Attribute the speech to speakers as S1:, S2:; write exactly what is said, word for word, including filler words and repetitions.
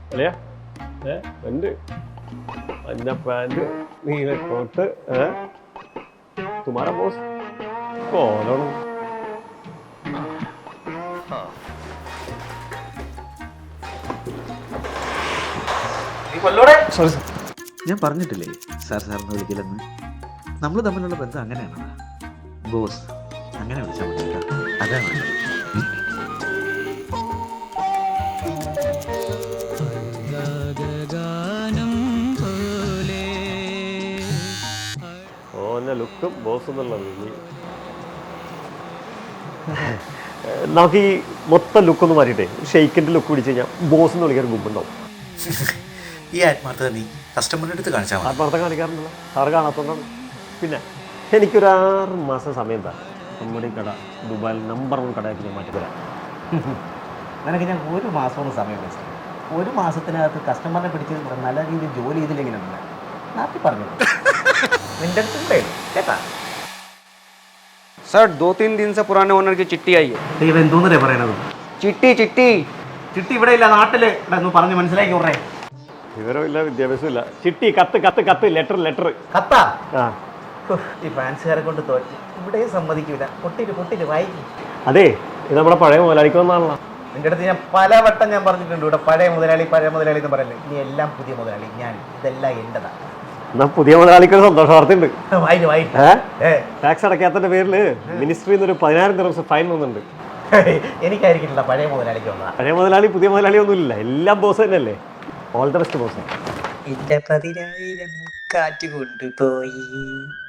S1: അല്ലയാ ഏ ഉണ്ട് മഞ്ഞ പാൻറ് നീല കോട്ട് ഏ തുമാര ബോസ് കോലാണ്
S2: സോറി സാർ, ഞാൻ പറഞ്ഞിട്ടില്ലേ സാർ സാറിന് വിളിക്കില്ലെന്ന്. നമ്മൾ തമ്മിലുള്ള ബന്ധം അങ്ങനെയാണ്. ബോസ് അങ്ങനെ വിളിച്ചാൽ മതി കേട്ടോ. അതാണ്
S1: ഓൻ്റെ ലുക്കും ബോസ് എന്നുള്ളത്. നമുക്ക് ഈ മൊത്തം ലുക്കൊന്ന് മാറിയിട്ടേ ഷെയ്ക്കിൻ്റെ ലുക്ക് പിടിച്ച് കഴിഞ്ഞാൽ ബോസ് എന്ന് വിളിക്കാൻ ഗുമ്പുണ്ടാവും.
S2: ഈ ആത്മാർത്ഥത നീ കസ്റ്റമറിൻ്റെ അടുത്ത് കാണിച്ചാൽ മതി.
S1: ആത്മാർത്ഥം കാണിക്കാറുണ്ടല്ലോ, സാറ് കാണാത്തതുകൊണ്ടാണ്. പിന്നെ എനിക്കൊരു ആറ് മാസം സമയം താ, നമ്മുടെ ഈ കട ദുബായിൽ നമ്പർ വൺ കടയാക്കി ഞാൻ മാറ്റിത്തരാം.
S3: നിനക്ക് ഞാൻ ഒരു മാസമൊന്നും സമയം വെച്ചു. ഒരു മാസത്തിനകത്ത് കസ്റ്റമറിനെ പിടിച്ച് നല്ല രീതിയിൽ ജോലി ചെയ്തില്ലെങ്കിലുണ്ടല്ല നാട്ടിൽ പറഞ്ഞു നിന്റെ അടുത്ത് കൂടെ കേട്ടാ.
S4: सर दो तीन दिन से पुराने ओनर की चिट्ठी आई है.
S3: ഇവ എന്തോന്നല്ലേ പറയണത്?
S4: चिट्ठी चिट्ठी
S3: ചിട്ടി ഇവിടെ ഇല്ല, നാട്ടില് ഒന്ന് പറഞ്ഞ് മനസ്സിലാക്കി വിടറേ.
S1: വിവരമില്ല, വിദ്യാഭ്യാസമില്ല. ചിട്ടി, കത്ത് കത്ത് കത്ത് ലെറ്റർ ലെറ്റർ
S3: കത്താ?
S1: ആ
S3: ഈ ഫാൻസുകാരെ കൊണ്ട് തോറ്റി ഇവിടെയും സമ്മതിക്കൂല. പൊട്ടിട്ട് പൊട്ടിട്ട് വായിക്കും.
S1: അതെ, ഇത് നമ്മുടെ പഴയ മുതലാളിക്ക് വന്നാണല്ലോ.
S3: നിന്റെ അടുത്ത് ഞാൻ പല വട്ടം ഞാൻ പറഞ്ഞിട്ടുണ്ട്, ഇവിടെ പഴയ മുതലാളി പഴയ മുതലാളി എന്ന് പറയല്ലേ. ഇനി എല്ലാം പുതിയ മുതലാളി, ഞാൻ ഇതെല്ലാം എൻ്റെതാ.
S1: എന്നാ പുതിയ മുതലാളിക്ക് ഒരു സന്തോഷ വാർത്തയുണ്ട്.
S3: വായിന് വായിന്
S1: ടാക്സ് അടയ്ക്കാത്തതിന്റെ പേരില് മിനിസ്ട്രിയിൽ നിന്ന് ഒരു പതിനായിരം ദിവസം ഫൈൻ വന്നിട്ടുണ്ട്.
S3: എനിക്കായിരിക്കില്ല, പഴയ മുതലാളിക്ക് വന്നതാ.
S1: പഴയ മുതലാളി പുതിയ മുതലാളി ഒന്നുമില്ല, എല്ലാം ബോസ് തന്നെയല്ലേ. All the best boss.
S3: എന്റെ പതിനായിരം കാറ്റ് കൊണ്ടുപോയി.